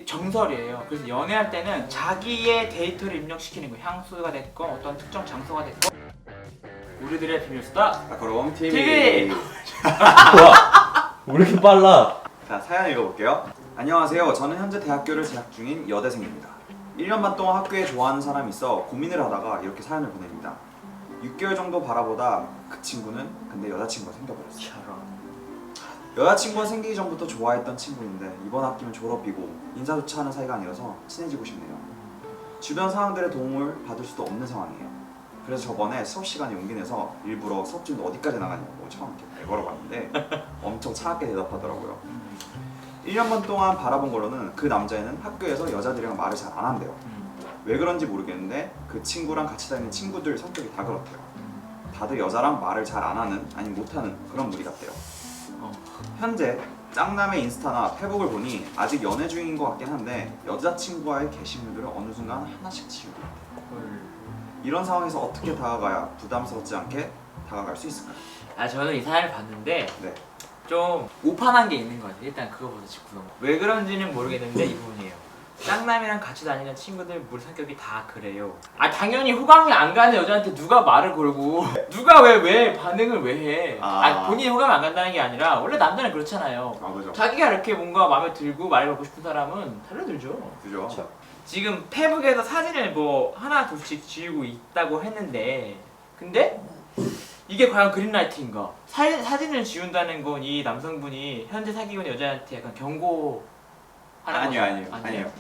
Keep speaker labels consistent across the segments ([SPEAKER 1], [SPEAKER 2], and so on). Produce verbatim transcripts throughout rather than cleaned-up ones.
[SPEAKER 1] 정설이에요. 그래서 연애할 때는 자기의 데이터를 입력시키는 거, 향수가 됐건 어떤 특정 장소가 됐건. 우리들의 비밀 수다
[SPEAKER 2] 라커룸 티비.
[SPEAKER 1] 티비.
[SPEAKER 3] 뭐야? 왜 이렇게 빨라?
[SPEAKER 2] 자, 사연 읽어볼게요. 안녕하세요. 저는 현재 대학교를 재학 중인 여대생입니다. 일 년 반 동안 학교에 좋아하는 사람이 있어 고민을 하다가 이렇게 사연을 보냅니다. 육 개월 정도 바라보다 그 친구는 근데 여자친구가 생겨버렸어요. 여자친구가 생기기 전부터 좋아했던 친구인데 이번 학기면 졸업이고 인사조차 하는 사이가 아니라서 친해지고 싶네요. 주변 사람들의 도움을 받을 수도 없는 상황이에요. 그래서 저번에 수업 시간에 용기 내서 일부러 수업 중에 어디까지 나가냐고 처음 이렇게 걸어봤는데 엄청 차갑게 대답하더라고요. 일 년 반 동안 바라본 걸로는 그 남자애는 학교에서 여자들이랑 말을 잘 안 한대요. 왜 그런지 모르겠는데 그 친구랑 같이 다니는 친구들 성격이 다 그렇대요. 다들 여자랑 말을 잘 안 하는, 아니 못하는 그런 무리 같대요.
[SPEAKER 1] 어.
[SPEAKER 2] 현재 짱남의 인스타나 페북을 보니 아직 연애 중인 것 같긴 한데 여자친구와의 게시물들을 어느 순간 하나씩 지우고 있대요. 이런 상황에서 어떻게 다가가야 부담스럽지 않게 다가갈 수 있을까요?
[SPEAKER 1] 아 저는 이 사연을 봤는데
[SPEAKER 2] 네.
[SPEAKER 1] 좀 오판한 게 있는 것 같아요. 일단 그거부터 짚고 왜 그런지는 모르겠는데 이 부분이에요. 짱남이랑 같이 다니는 친구들 물 성격이 다 그래요. 아 당연히 호감이 안 가는 여자한테 누가 말을 걸고 누가 왜 왜 반응을 왜 해? 아,
[SPEAKER 2] 아.
[SPEAKER 1] 본인이 호감이 안 간다는 게 아니라 원래 남자는 그렇잖아요.
[SPEAKER 2] 아 그죠.
[SPEAKER 1] 자기가 이렇게 뭔가 마음에 들고 말을 걸고 싶은 사람은 달려들죠.
[SPEAKER 2] 그죠.
[SPEAKER 3] 그쵸.
[SPEAKER 1] 지금 페북에서 사진을 뭐 하나 둘씩 지우고 있다고 했는데 근데 이게 과연 그린라이트인가? 사진, 사진을 지운다는 건 이 남성분이 현재 사귀고 있는 여자한테 약간 경고
[SPEAKER 2] 아니요 아니요 아니에요.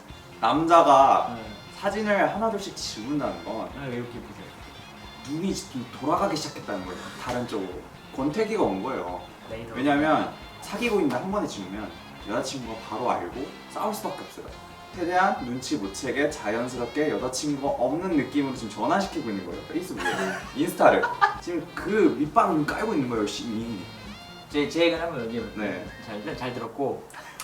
[SPEAKER 2] 남자가
[SPEAKER 1] 네.
[SPEAKER 2] 사진을 하나둘씩 지운다는 건
[SPEAKER 1] 네, 이렇게 보세요.
[SPEAKER 2] 눈이 좀 돌아가기 시작했다는 거예요. 다른 쪽으로 권태기가 온 거예요.
[SPEAKER 1] 레이더.
[SPEAKER 2] 왜냐면 사귀고 있는데 한 번에 지우면 여자친구가 바로 알고 싸울 수밖에 없어요. 최대한 눈치 못 채게 자연스럽게 여자친구가 없는 느낌으로 지금 전환시키고 있는 거예요. 페이스북에 인스타를 지금 그 밑반을 깔고 있는 거예요. 열심히.
[SPEAKER 1] 제, 제 얘기를 한번 얘기해볼게요.
[SPEAKER 2] 네.
[SPEAKER 1] 자, 일단 잘 들었고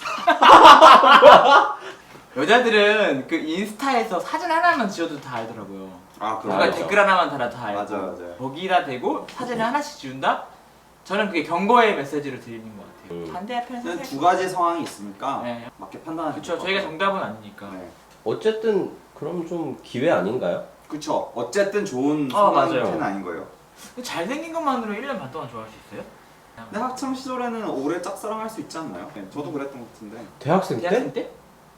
[SPEAKER 1] 여자들은 그 인스타에서 사진 하나만 지워도 다 알더라고요.
[SPEAKER 2] 아
[SPEAKER 1] 누가
[SPEAKER 2] 그럼
[SPEAKER 1] 댓글 하나만 달아도 다 알고
[SPEAKER 2] 맞아, 맞아요.
[SPEAKER 1] 거기다 대고 사진을 하나씩 지운다? 저는 그게 경고의 메시지를 드리는 것 같아요.
[SPEAKER 3] 음.
[SPEAKER 1] 반대편에서
[SPEAKER 2] 두 가지 상황이 있으니까
[SPEAKER 1] 네.
[SPEAKER 2] 맞게 판단하시면
[SPEAKER 1] 그렇죠. 저희가 정답은 아니니까.
[SPEAKER 2] 네.
[SPEAKER 3] 어쨌든 그럼 좀 기회 아닌가요?
[SPEAKER 2] 그쵸. 어쨌든 좋은
[SPEAKER 1] 아,
[SPEAKER 2] 상황은
[SPEAKER 1] 맞아요.
[SPEAKER 2] 아닌 거예요.
[SPEAKER 1] 근데 잘생긴 것만으로 일 년 반 동안 좋아할 수 있어요?
[SPEAKER 2] 근데 학창 시절에는 오래 짝사랑할 수 있지 않나요? 네, 저도 그랬던 것 같은데
[SPEAKER 3] 대학생 때?
[SPEAKER 1] 대학생 때?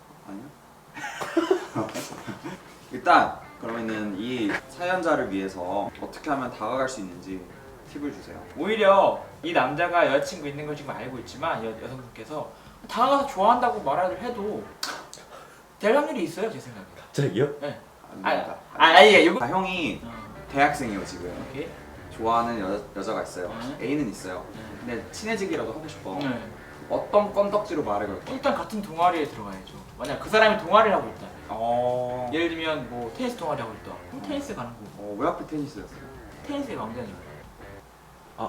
[SPEAKER 2] 아니요. 일단 그러면은 이 사연자를 위해서 어떻게 하면 다가갈 수 있는지 팁을 주세요.
[SPEAKER 1] 오히려 이 남자가 여자친구 있는 걸 지금 알고 있지만 여, 여성분께서 다가가서 좋아한다고 말을 해도 될 확률이 있어요 제 생각에.
[SPEAKER 3] 갑자기요?
[SPEAKER 1] 네.
[SPEAKER 2] 안
[SPEAKER 1] 아,
[SPEAKER 2] 됩니다.
[SPEAKER 1] 아, 아니 이거.
[SPEAKER 2] 아, 형이
[SPEAKER 1] 어,
[SPEAKER 2] 대학생이에요 지금.
[SPEAKER 1] 오케이.
[SPEAKER 2] 좋아하는 여, 여자가 있어요.
[SPEAKER 1] 음.
[SPEAKER 2] A는 있어요.
[SPEAKER 1] 네.
[SPEAKER 2] 근데 친해지기라도 하고 싶어.
[SPEAKER 1] 네.
[SPEAKER 2] 어떤 건덕지로 말을 걸까?
[SPEAKER 1] 일단 같은 동아리에 들어가야죠. 만약 그 사람이 동아리를 하고 있다.
[SPEAKER 2] 어...
[SPEAKER 1] 예를 들면 뭐 테니스 동아리 하고 있다. 그럼 테니스 가는 거.
[SPEAKER 2] 어, 왜 하필 테니스였어요?
[SPEAKER 1] 테니스의 왕자죠.
[SPEAKER 3] 아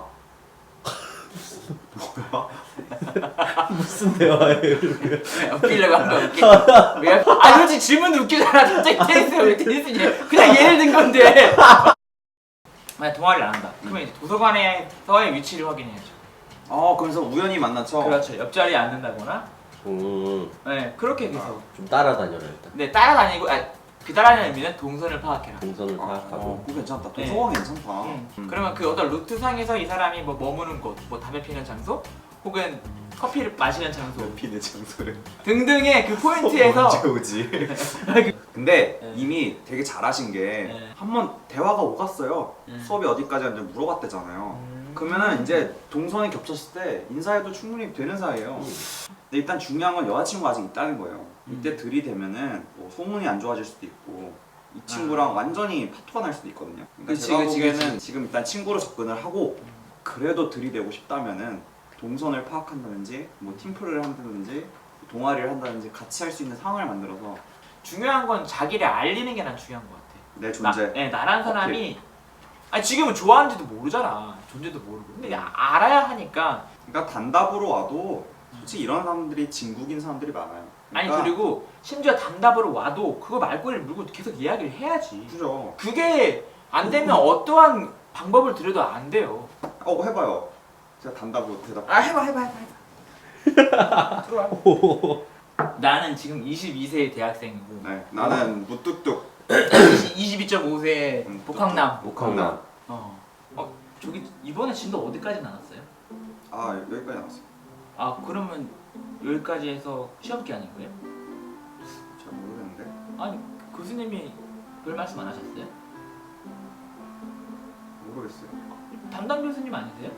[SPEAKER 2] 뭐야?
[SPEAKER 3] 무슨 대화예요? 이렇게?
[SPEAKER 1] 네, 웃기려고 한 거야. 웃기. 왜? 아 솔직히 질문도 웃기잖아. 갑자기 테니스가 왜 테니스냐? 그냥 예를 든 건데. 만약 동아리를 안 한다. 그러면 이제 도서관에서의 위치를 확인해야죠.
[SPEAKER 2] 어, 그래서 우연히 만난 척.
[SPEAKER 1] 그렇죠. 옆자리에 앉는다거나.
[SPEAKER 3] 음,
[SPEAKER 1] 네, 그렇게 해서.
[SPEAKER 3] 좀 따라다녀라 일단.
[SPEAKER 1] 네, 따라다니고, 아, 그 따라다니는 의미는 동선을 파악해라.
[SPEAKER 3] 동선을
[SPEAKER 2] 아,
[SPEAKER 3] 파악하고.
[SPEAKER 2] 어, 그거 괜찮다.
[SPEAKER 1] 네.
[SPEAKER 2] 도서관 괜찮다.
[SPEAKER 1] 음.
[SPEAKER 2] 음.
[SPEAKER 1] 그러면 그 어떤 루트상에서 이 사람이 뭐 머무는 곳, 뭐 담배 피는 장소, 혹은 커피를 마시는 장소
[SPEAKER 2] 피는 장소를
[SPEAKER 1] 등등의 그 포인트에서
[SPEAKER 2] 언제 오지? 근데
[SPEAKER 1] 네.
[SPEAKER 2] 이미 되게 잘하신 게
[SPEAKER 1] 네.
[SPEAKER 2] 한 번 대화가 오갔어요.
[SPEAKER 1] 네.
[SPEAKER 2] 수업이 어디까지 하는지 물어봤대잖아요.
[SPEAKER 1] 음.
[SPEAKER 2] 그러면은 이제 동선이 겹쳤을 때 인사해도 충분히 되는 사이예요. 근데 일단 중요한 건 여자친구가 아직 있다는 거예요. 이때
[SPEAKER 1] 음.
[SPEAKER 2] 들이대면은 뭐 소문이 안 좋아질 수도 있고 이 친구랑 완전히 파토가 날 수도 있거든요. 그러니까
[SPEAKER 1] 그치,
[SPEAKER 2] 제가
[SPEAKER 1] 그치,
[SPEAKER 2] 보기에는
[SPEAKER 1] 그치.
[SPEAKER 2] 지금 일단 친구로 접근을 하고 그래도 들이대고 싶다면은 동선을 파악한다든지 뭐 팀플을 한다든지 동아리를 한다든지 같이 할 수 있는 상황을 만들어서
[SPEAKER 1] 중요한 건 자기를 알리는 게 난 중요한 것 같아.
[SPEAKER 2] 내 존재.
[SPEAKER 1] 나, 네, 나란 사람이 아니 지금은 좋아하는지도 모르잖아. 존재도 모르고. 근데 아- 알아야 하니까.
[SPEAKER 2] 그러니까 단답으로 와도 솔직히 이런 사람들이 진국인 사람들이 많아요.
[SPEAKER 1] 아니
[SPEAKER 2] 그러니까
[SPEAKER 1] 그리고 심지어 단답으로 와도 그거 말꼬리를 물고 계속 이야기를 해야지.
[SPEAKER 2] 그죠.
[SPEAKER 1] 그게 안 되면 어떠한 방법을 들여도 안 돼요.
[SPEAKER 2] 어 해봐요. 제가 단답으로 대답.
[SPEAKER 1] 아 해봐 해봐 해봐 해봐. 들어와.
[SPEAKER 3] 오,
[SPEAKER 1] 나는 지금 이십이 세의 대학생이고
[SPEAKER 2] 네, 나는 무뚝뚝.
[SPEAKER 1] 이십이 점 오 세의
[SPEAKER 2] 음,
[SPEAKER 1] 복학남.
[SPEAKER 3] 목항남.
[SPEAKER 1] 어. 어 저기 이번에 진도 어디까지 나왔어요?
[SPEAKER 2] 아 여기까지 나왔어요.
[SPEAKER 1] 아 그러면 여기까지 해서 시험 기간인 거예요?
[SPEAKER 2] 잘 모르겠는데.
[SPEAKER 1] 아니 교수님이 별 말씀 안 하셨어요?
[SPEAKER 2] 모르겠어요.
[SPEAKER 1] 담당 교수님 아니세요?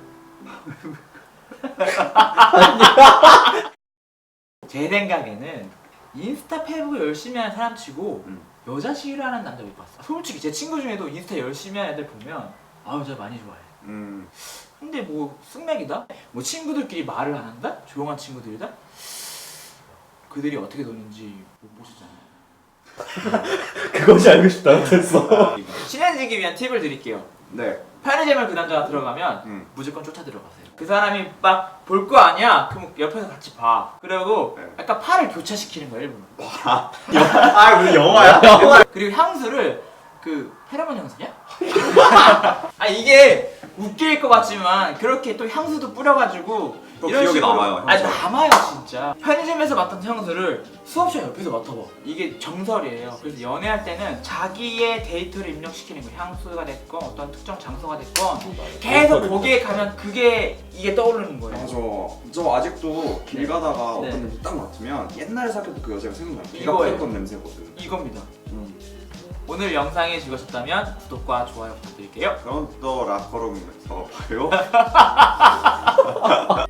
[SPEAKER 1] 제 생각에는 인스타 페북 열심히 하는 사람 치고
[SPEAKER 2] 음.
[SPEAKER 1] 여자 싫어하는 남자 못 봤어. 솔직히 제 친구 중에도 인스타 열심히 하는 애들 보면 아 여자 많이 좋아해.
[SPEAKER 2] 음.
[SPEAKER 1] 근데 뭐 승맥이다? 뭐 친구들끼리 말을 안 한다? 조용한 친구들이다? 그들이 어떻게 노는지 못 보시잖아요.
[SPEAKER 3] 그것이 알고 싶다 됐어.
[SPEAKER 1] 친해지기 위한 팁을 드릴게요.
[SPEAKER 2] 네.
[SPEAKER 1] 편의점을 그 남자가 들어가면
[SPEAKER 2] 음.
[SPEAKER 1] 무조건 쫓아 들어가세요. 그 사람이 막 볼 거 아니야? 그럼 옆에서 같이 봐. 그리고
[SPEAKER 2] 네.
[SPEAKER 1] 약간 팔을 교차시키는 거야 일부러.
[SPEAKER 2] 아 무슨 영화야?
[SPEAKER 1] 그리고 향수를 그 페로몬 향수냐? 아 이게 웃길 것 같지만 그렇게 또 향수도 뿌려가지고
[SPEAKER 2] 또 기억에 남아요,
[SPEAKER 1] 아
[SPEAKER 2] 향수가.
[SPEAKER 1] 남아요 진짜. 편의점에서 맡은 향수를 수업 시간 옆에서 맡아봐. 이게 정설이에요. 그래서 연애할 때는 자기의 데이터를 입력시키는 거예요. 향수가 됐건 어떤 특정 장소가 됐건 계속 거기에 가면 그게 이게 떠오르는 거예요.
[SPEAKER 2] 맞아. 저 아직도 길 가다가
[SPEAKER 1] 네.
[SPEAKER 2] 어떤 냄새 딱 맡으면 옛날에 사귀었던 그 여자가 생각나요. 비가
[SPEAKER 1] 이거예요.
[SPEAKER 2] 뿌렸던 냄새거든.
[SPEAKER 1] 이겁니다.
[SPEAKER 2] 음.
[SPEAKER 1] 오늘 영상이 즐거우셨다면 구독과 좋아요 부탁드릴게요.
[SPEAKER 2] 그럼 또 락커룸에서 봐요.